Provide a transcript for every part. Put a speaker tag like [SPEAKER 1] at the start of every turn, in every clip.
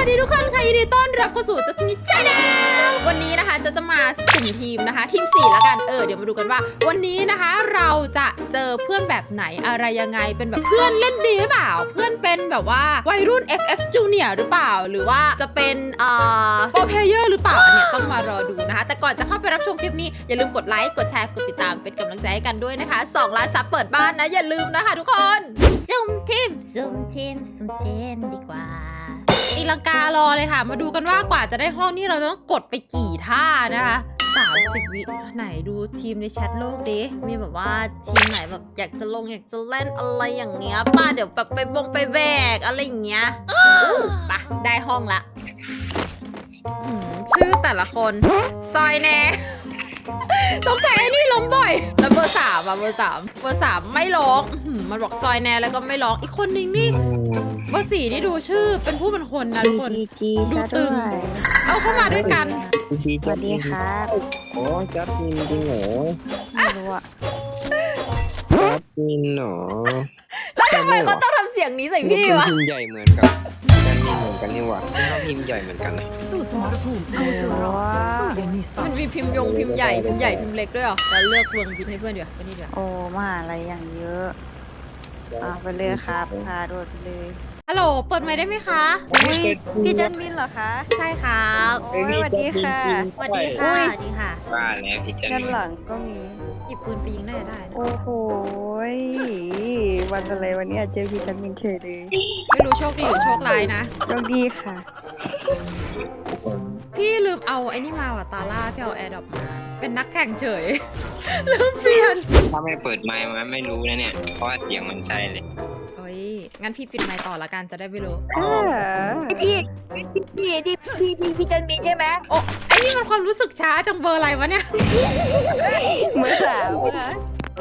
[SPEAKER 1] ดีทุกคนค่ะยินดีต้อนรับเข้าสู่จัสมิชแนลวันนี้นะคะจะมาสุ่มทีมนะคะทีม4แล้วกันเดี๋ยวมาดูกันว่าวันนี้นะคะเราจะเจอเพื่อนแบบไหนอะไรยังไงเป็นแบบเพื่อนเล่นดีหรือเปล่าเพื่อนเป็นแบบว่าวัยรุ่น FF Junior หรือเปล่าหรือว่าจะเป็นโปรเพลเยอร์หรือเปล่าอันนี้ต้องมารอดูนะคะแต่ก่อนจะเข้าไปรับชมคลิปนี้อย่าลืมกดไลค์กดแชร์กดติดตามเป็นกำลังใจให้กันด้วยนะคะ2 ล้านซับเปิดบ้านนะอย่าลืมนะคะทุกคนสุ่มทีมดีกว่าตีลังการอเลยค่ะมาดูกันว่ากว่าจะได้ห้องนี่เราต้องกดไปกี่ท่านะคะ30 วิไหนดูทีมในแชทโลกดิมีแบบว่าทีมไหนแบบอยากจะลงอยากจะเล่นอะไรอย่างเงี้ยป้าเดี๋ยวแบบไปแบกอะไรอย่างเงี้ยปะได้ห้องละชื่อแต่ละคนซอยแน่สงสัยไอ้นี่ล้มบ่อยแล้วเบอร์3อะเบอร์3ไม่ร้องมันบอกซอยแน่แล้วก็ไม่ร้องอีกคนนึงนี่เบอร์4นี่ดูชื่อเป็นผู้เป็นคนนะทุกคนดูตึงเอาเข้ามาด้วยกัน
[SPEAKER 2] สวัสดีครับโอ้จัดมินจริงเหรอไม่รู้อะจัดมินเหรอ
[SPEAKER 1] แล้วทำไมเขาต้องทำเสียงนี้ใส่พี่วะ
[SPEAKER 2] พิมพ์ใหญ่เหมือนกับจัดมินเหมือนกันนี่หว่าเราพิมพ์ใหญ่เหมือนกันนะ
[SPEAKER 3] สู้สมรภูมิเอาตัวรอดสู้อย่างมีสไตล์
[SPEAKER 1] มันมีพิมพ์ใหญ่พิมพ์เล็กด้วยเหรอแล้วเลือกเวงพิมพ์ให้เพื่อนเดี๋ยวไปนี่เดี๋ยว
[SPEAKER 4] โอ้มาอะไรอย่างเยอะไปเลยครับพาโดดไปเลย
[SPEAKER 1] ฮัลโหลเปิดไมค์ได้ไหมคะ
[SPEAKER 4] พี่จันมินเหรอคะ
[SPEAKER 1] ใช่ครับ
[SPEAKER 4] โอ้ยสวัสดีค่ะ
[SPEAKER 1] สวัสดีค่ะสวัสดีค่ะ
[SPEAKER 2] ว่าแล้วพี่จัน
[SPEAKER 4] ด้าน
[SPEAKER 2] มิน
[SPEAKER 4] หลังก็มี
[SPEAKER 1] หยิบปืนไปยิงได้ได้นะ
[SPEAKER 4] โอ้โหวันอะไรวันนี้เจอพี่จันมินเฉยเลย
[SPEAKER 1] ไม่รู้โชคดีหรือโชคร้ายนะ
[SPEAKER 4] โชคดีค่ะ
[SPEAKER 1] พี่ลืมเอาไอ้นี่มาว่ะตาล่าพี่เอาแอร์ดรอปมาเป็นนักแข่งเฉยลืมเปลี่ยน
[SPEAKER 2] ถ้าไม่เปิดไมค์มันไม่รู้นะเนี่ยเพราะว่าเสียงมันใช่เลย
[SPEAKER 1] โอ้ยงั้นพี่ปิดไมค์ต่อละกันจะได้ไม่รู้
[SPEAKER 4] พี่จันมินใช่ไหม
[SPEAKER 1] โอ้ไอ้นี่มันความรู้สึกช้าจังเบอร์อะไรวะเนี่ย
[SPEAKER 4] เบอร์3ค่ะ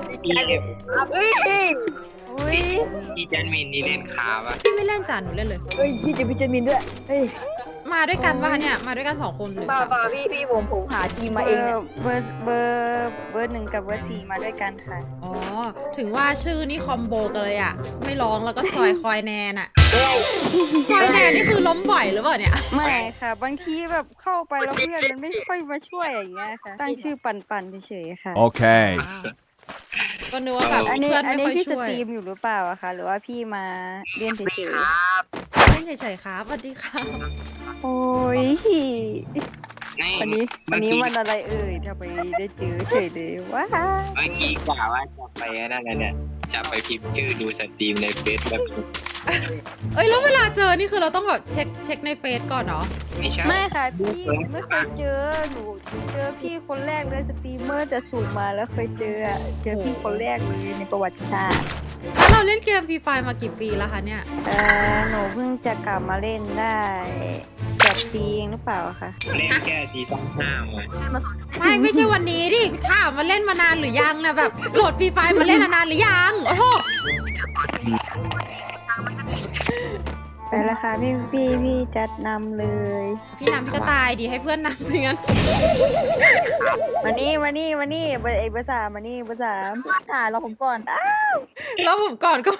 [SPEAKER 2] พี่จันมินนี่เล่นคาป่ะ
[SPEAKER 1] พี่ไม่เล่นจานหนูเล่นเลย
[SPEAKER 4] พี่จะพี่จันมินด้วย
[SPEAKER 1] มาด้วยกันป่ะเนี่ยมาด้วยกัน2 คนหรือ
[SPEAKER 4] 3พี่ผมหาทีมมาเองเบอร์1กับเบอร์4มาด้วยกันค่ะ
[SPEAKER 1] อ๋อถึงว่าชื่อนี่คอมโบกันเลยอ่ะไม่ร้องแล้วก็ซอยคอยแนนอ่ะซอยแนนนี่คือล้มบ่อยหรือเปล่าเนี่ย
[SPEAKER 4] ไม่ค่ะบางทีแบบเข้าไปแล้วเพื่อนมันไม่ค่อยมาช่วยอย่างเงี้ยค่ะตั้งชื่อปั่นเฉยๆค่ะ
[SPEAKER 3] โอเค
[SPEAKER 1] ก็นึกว่าแบบเพื่อนไม่ค่อยช่วย
[SPEAKER 4] พี่สตรีมอยู่หรือเปล่าอะคะหรือว่าพี่มาเรียนเฉย
[SPEAKER 1] ๆเล่นเฉยๆครับสวัสดีค่ะ
[SPEAKER 4] โอ้ยวันนี้วันอะไรทำไมได้เจอเฉยเลยว้า
[SPEAKER 2] เมื่อกี้กว่าว่าจะไปนั่นแหละเนี่ยจะไปพิมพ์ชื่อดูสตรีมในเฟซแล้ว
[SPEAKER 1] แล้วเวลาเจอนี่คือเราต้องแบบเช็คในเฟซก่อนเนาะ
[SPEAKER 4] ไม่ค่ะพี่ไม่เคยเจอหนูเจอพี่คนแรกเลยสตรีมเมอร์จะสูงมาแล้วเคยเจอพี่คนแรกเลยในประวัติศาสตร์
[SPEAKER 1] แล้วเราเล่นเกมฟรีไฟมากี่ปีแล้วคะเนี่ย
[SPEAKER 4] หนูเพิ่งจะกลับมาเล่นได้8 ปีเองหรือเปล่าคะ
[SPEAKER 2] เล่นแค่ซีซั่น5มา
[SPEAKER 1] ไม่ใช่วันนี้ดิถามมาเล่นมานานหรือยังนะแบบโหลดฟรีไฟมาเล่นนานหรือยังโอ้โห
[SPEAKER 4] ไปละค่ะพี่จัดนำเลย
[SPEAKER 1] พี่นำพี่ก็ตายดีให้เพื่อนนำสิงั้น
[SPEAKER 4] มานี่เบอร์3มานี่เบอร์ 3เราผมก่อน
[SPEAKER 1] แล้วผมก่อนก็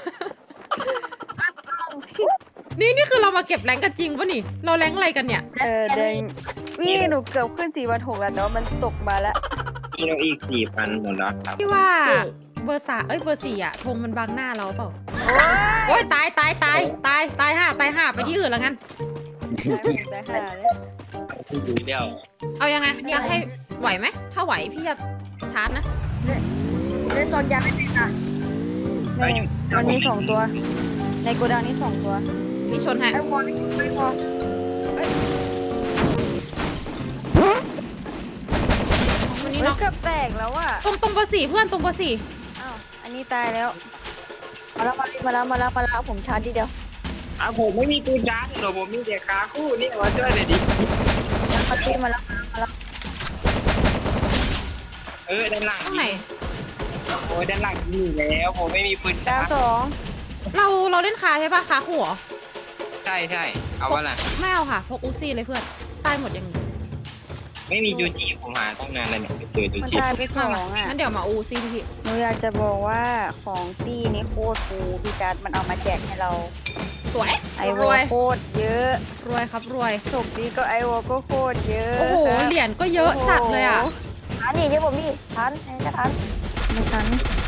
[SPEAKER 1] นี่คือเรามาเก็บแรงกันจริงปะนี่เราแรงอะไรกันเนี่ย
[SPEAKER 4] เดินพี่หนูเกือบขึ้น4,600แล้วแต่ว่ามันตกมาแล้ว
[SPEAKER 2] พี่เราอีก 4,000 หมดแล้วครับ
[SPEAKER 1] พี่ว่าเบอร์4อะธงมันบังหน้าเราเปล่าโอ้ยตายห่าไปที่อื่นแล้วงั้นเอายังไงอยากให้ไหวไหมถ้าไหวพี่จะชาร์จนะ
[SPEAKER 4] เล่นตอนยาไม่เป็นอ่ะมันมี2 ตัวในโกดังนี้2 ตัว
[SPEAKER 1] มีชนให้
[SPEAKER 4] ไม่พอวันนี้น้องเกือบแตกแล้วอ่ะ
[SPEAKER 1] ตรงเบอร์4เพื่อนตรงเบอร์4
[SPEAKER 4] อ้าวอันนี้ตายแล้วมาแล้วผมชาร์จทีเดียว
[SPEAKER 2] ผมไม่มีปืนชาร์จหรอกผมมีแต่ขาคู่นี่มาช่วยเลยดิ
[SPEAKER 4] มาแล้ว
[SPEAKER 2] ด้านหลัง
[SPEAKER 1] ตรงไหน
[SPEAKER 2] โอ้ยด้านหลังนี่แล้วผมไม่มีปืนชาร์จ
[SPEAKER 1] เราเล่นคาใช่ปะคาหัว
[SPEAKER 2] ใช่เอาวะล่ะ
[SPEAKER 1] ไม่เอาค่ะพกอูซี่เลยเพื่อนตายหมดยัง
[SPEAKER 2] ไม่มีจูจีผมหาตั้งนานแล้วเนี่ยเจอจูจี
[SPEAKER 4] ไป2
[SPEAKER 1] งั้นเดี๋ยวมาอูซี่พี่
[SPEAKER 4] หนูอยากจะบอกว่าของตี้นี่โคตรฟูพี่จัดมันเอามาแจกให้เรา
[SPEAKER 1] ใสวย
[SPEAKER 4] ไอ
[SPEAKER 1] ร
[SPEAKER 4] วอ
[SPEAKER 1] วย
[SPEAKER 4] โคตรเยอะ
[SPEAKER 1] รวยครับรวย
[SPEAKER 4] ศพนี้ก็ไอวอก็โคตรเยอะ
[SPEAKER 1] โอ้โห
[SPEAKER 4] ครับ
[SPEAKER 1] เหรียญก็เยอะจัดเลยอ่ะ
[SPEAKER 5] ทันนี่เดี๋ยวผมนี่ทันจะทัน
[SPEAKER 4] ไม่ทัน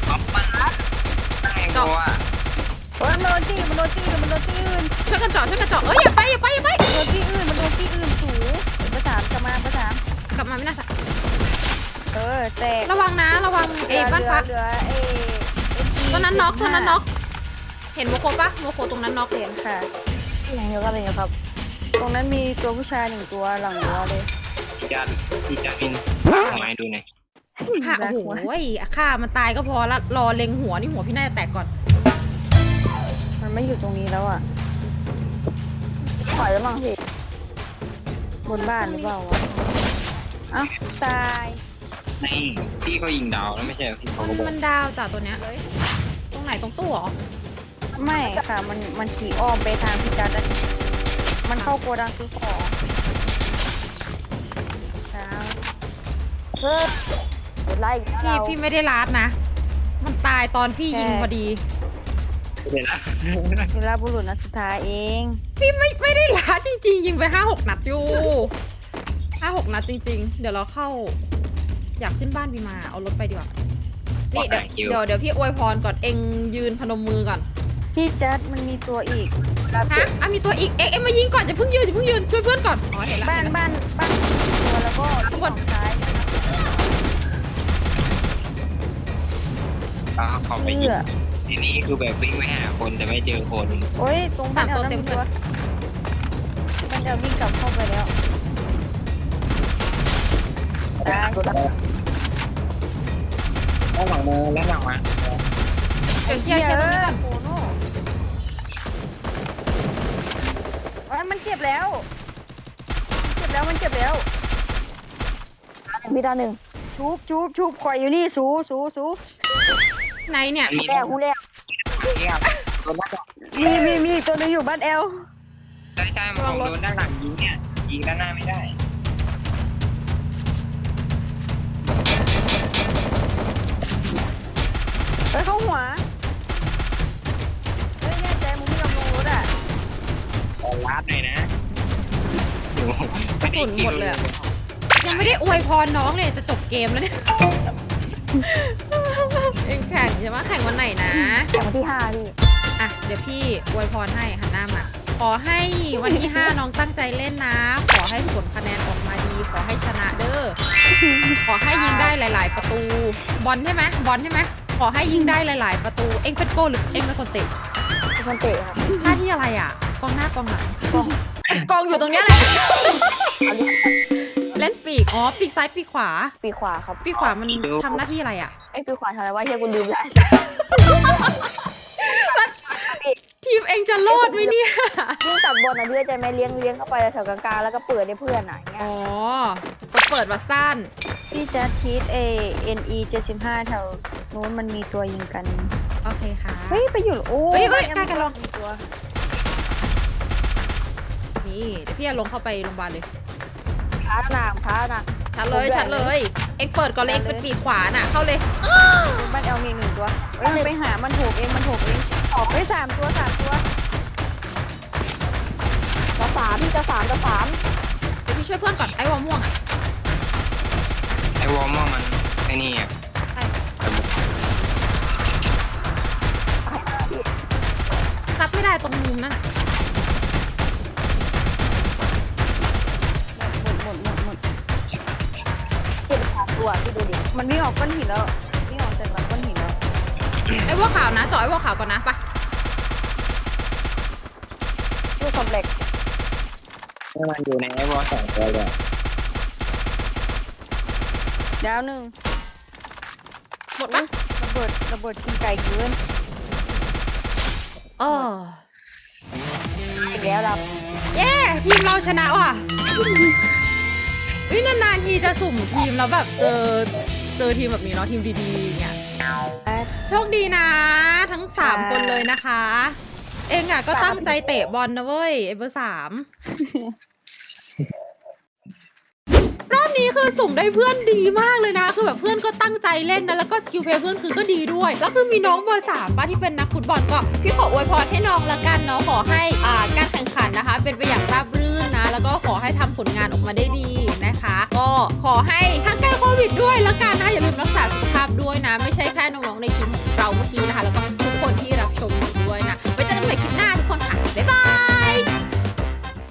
[SPEAKER 2] ได้ตัว
[SPEAKER 4] โอ้ยมันโดนที่มันโดนที่มันโดนที่อื่น
[SPEAKER 1] ช่วยกันเจาะช่วยกันเจาะเอ้ยอย่าไปอย่าไปอย่าไป
[SPEAKER 4] มันโดนที่อื่นมันโดนที่อื่นสูงประสานกลับมาประสาน
[SPEAKER 1] กลับมาไม่น่าจะ
[SPEAKER 4] แตก
[SPEAKER 1] ระวังนะระวังเอ้บ้านฟ้า
[SPEAKER 4] เหลือ
[SPEAKER 1] ตัวนั้นน็อกตัวนั้นน็อกเห็นโมโคปะโมโคตรงนั้นน็อก
[SPEAKER 4] เห็นค่ะ
[SPEAKER 5] อย่างเดียวกันเลยครับ
[SPEAKER 4] ตรงนั้นมีตัวผู้ชาย1ตัวหลังรั้วเลย
[SPEAKER 2] พี่จัดมินทำไมดูหน่อย
[SPEAKER 1] ค่ะโอ้โหฆ่ามันตายก็พอละรอเล็งหัวนี่หัวพี่น่าจะแตกก่อน
[SPEAKER 4] มันไม่อยู่ตรงนี้แล้วอ่ะ
[SPEAKER 5] ปล่อยแล้วมั้งพี่
[SPEAKER 4] บนบ้านหรือเปล่าวะเอ้าตาย
[SPEAKER 2] นี่พี่เขายิงดาวแล้วไม่ใช่พี่เขาก็บอก
[SPEAKER 1] มันดาวจากตัวเนี้ยเลยตรงไหนตรงตู้เหรอ
[SPEAKER 4] ไม่ค่ะมันขี่อ้อมไปทางพิการแล้วมันเข้าโกดังซื้อของเช้า
[SPEAKER 5] เฮ้ยเดี๋ยวไล่อีกแล้ว
[SPEAKER 1] พี่ไม่ได้ลาดนะ มันตายตอนพี่ยิงพอดี
[SPEAKER 2] เดี๋ยวนะ
[SPEAKER 4] เวลาบุรุษนัดสุดท้ายเอง
[SPEAKER 1] พี่ไม่ได้ลาดจริงๆ ยิงไป5-6 นัดอยู่5-6 นัดจริง ๆ เดี๋ยวเราเข้า อยากขึ้นบ้านพี่มาเอารถไปดีกว่านี่เดี๋ยวพี่อวยพรก่อนเองยืนพนมมือก่อน
[SPEAKER 4] พี่จัดมันมีตัวอีก
[SPEAKER 1] ฮะอ่ะมีตัวอีกเอ็งมายิงก่อนอย่าเพิ่งยืนช่วยเพื่อนก่อนอ๋อเห็นแล้ว
[SPEAKER 4] บ้านตัวแล้วก็ที่ฝั่งซ้าย
[SPEAKER 2] ขอไปยิงทีนี้คือแบบวิ่งไปหาคนแต่ไม่เจอคน
[SPEAKER 4] โอ้ยตรงบ้านแอลนั่นตัวบ้านแอลวิ่งกลับเข้าไปแล้วตาย
[SPEAKER 2] แล้วหลังมาแล้วหลังมา
[SPEAKER 1] เดี๋ยวเคลียร์ตรงนี้ก่อน
[SPEAKER 4] โอ้โน่มันเจ็บแล้วมันเจ็บแล้ว
[SPEAKER 5] พี่ดาวหนึ่ง
[SPEAKER 4] ชุบคอยอยู่นี่สู
[SPEAKER 1] ไหนเนี่ย
[SPEAKER 2] มี
[SPEAKER 5] แรกคู่แรก
[SPEAKER 2] เนี่ยโดนด้านหลัง
[SPEAKER 4] มีตัวนึงอยู่บ้านแอล
[SPEAKER 2] ใช่มันโดนด้านหลังยิงเนี่ยยิงด้านหน้าไม่ได้
[SPEAKER 4] เข้าหัวเฮ้ยแน่ใจมึงไม่ยอมลงรถอ่ะ
[SPEAKER 2] ลาดเลยนะ
[SPEAKER 1] กระสุนหมดเลยอะยังไม่ได้อวยพรน้องเลยจะจบเกมแล้วเนี่ยเอ็งแข่งใช่ไหมแข่งวันไหนนะ
[SPEAKER 5] แข่งวันที่5พี่
[SPEAKER 1] อ่ะเดี๋ยวพี่อวยพรให้หันหน้ามาขอให้วันที่ 5 น้องตั้งใจเล่นนะ ขอให้ผลคะแนนออกมาดี ขอให้ชนะเด้อขอให้ยิงได้หลาย ๆ ประตูบอลใช่ไหมขอให้ยิงได้หลาย ๆ ประตูเอ็งเป็นโกลหรือเอ็งเป็นคนเตะ
[SPEAKER 5] เป็นคนเตะครับ
[SPEAKER 1] หน้าที่อะไรอ่ะกองหน้ากองหลังกองอยู่ตรงเนี้ยแหละ
[SPEAKER 5] เอาดิ
[SPEAKER 1] เล่นปีกอ๋อปีกซ้ายปีกขวา
[SPEAKER 5] ปีขวาครับ
[SPEAKER 1] ปีกขวามันทำหน้าที่อะไรอ่ะ
[SPEAKER 5] ไอ้ปีขวาทำอะไรวะเฮียกูลืมแล้ว
[SPEAKER 1] ทีมเองจะรอดไหมเนี่ย
[SPEAKER 5] ยิ่งตัดบอลนะพี่เข้าใจไหมเลี้ยงเข้าไปแถวกลางๆแล้วก็เปิดให้เพื่อนอ่ะอย่างเงี้ย
[SPEAKER 1] อ๋อเปิดมาสั้น
[SPEAKER 4] พี่จัดทีสNE 75แถวนู้นมันมีตัวยิงกัน
[SPEAKER 1] โอเคค่ะ
[SPEAKER 4] เฮ้ยไปอยู่โอ้
[SPEAKER 1] เฮ้ย
[SPEAKER 4] บ้า
[SPEAKER 1] ใกล้กันลอง
[SPEAKER 4] มีตัว
[SPEAKER 1] นี่เดี๋ยวพี่จะลงเข้าไปโรงพยาบาลเลย
[SPEAKER 5] ท้าหนัก
[SPEAKER 1] ชัดเลย เอ็งเปิดก่อนเลยเอ็งเป็นปีกขวาน่ะเข้าเลย
[SPEAKER 4] บ้านแอลมี1ตัวเฮ้ยมันไปหามันถูกเองออกไป3ตัว
[SPEAKER 5] จะสามพี่จะสาม
[SPEAKER 1] เดี๋ยวพี่ช่วยเพื่อนก่อนไอ้วอม่วงอ่ะ
[SPEAKER 2] ไอ้วอร์มอมันไอ้นี่อ่ะ
[SPEAKER 1] ซับไม่ได้ตรงมุมนั่นน่ะ
[SPEAKER 4] หมด
[SPEAKER 5] เก็บสามตัวพี่ดูดิ
[SPEAKER 4] มันวิ่งออกก้อนหินแล้ววิ่งออกจากหลังก้อนหินแล้ว
[SPEAKER 1] ไอ้วอขาวนะจ่อไอ้วอขาวก่อนนะไปะ
[SPEAKER 5] ลูกคอมเพล็กซ์
[SPEAKER 2] มันอยู่ในไอ้วอร์2ตัวเลย
[SPEAKER 4] ดาวหนึ่ง
[SPEAKER 1] หมดปะ
[SPEAKER 4] ระเบิดกินไก่เกิน
[SPEAKER 1] อ๋อ
[SPEAKER 5] อีกแล้วเรา
[SPEAKER 1] เย้ทีมเราชนะว่ะนานๆทีจะสุ่มทีมแล้วแบบเจอทีมแบบนี้เนาะทีมดีๆอย่างเงี้ยโชคดีนะทั้ง3คนเลยนะคะ เองอ่ะก็ตั้งใจเตะบอลนะเว้ยไอ้เบอร์ 3รอบนี้คือสุ่มได้เพื่อนดีมากเลยนะคือแบบเพื่อนก็ตั้งใจเล่นนะแล้วก็สกิลเพลย์เพื่อนคือก็ดีด้วยแล้วคือมีน้องเบอร์3ป่ะที่เป็นนักฟุตบอลก็พี่ขออวยพรให้น้องละกันเนาะขอให้การแข่งขันนะคะเป็นไปอย่างราบรื่นนะแล้วก็ขอให้ทำผลงานออกมาได้ดีนะคะก็ขอให้ห่างไกลโควิดด้วยละกันนะอย่าลืมรัก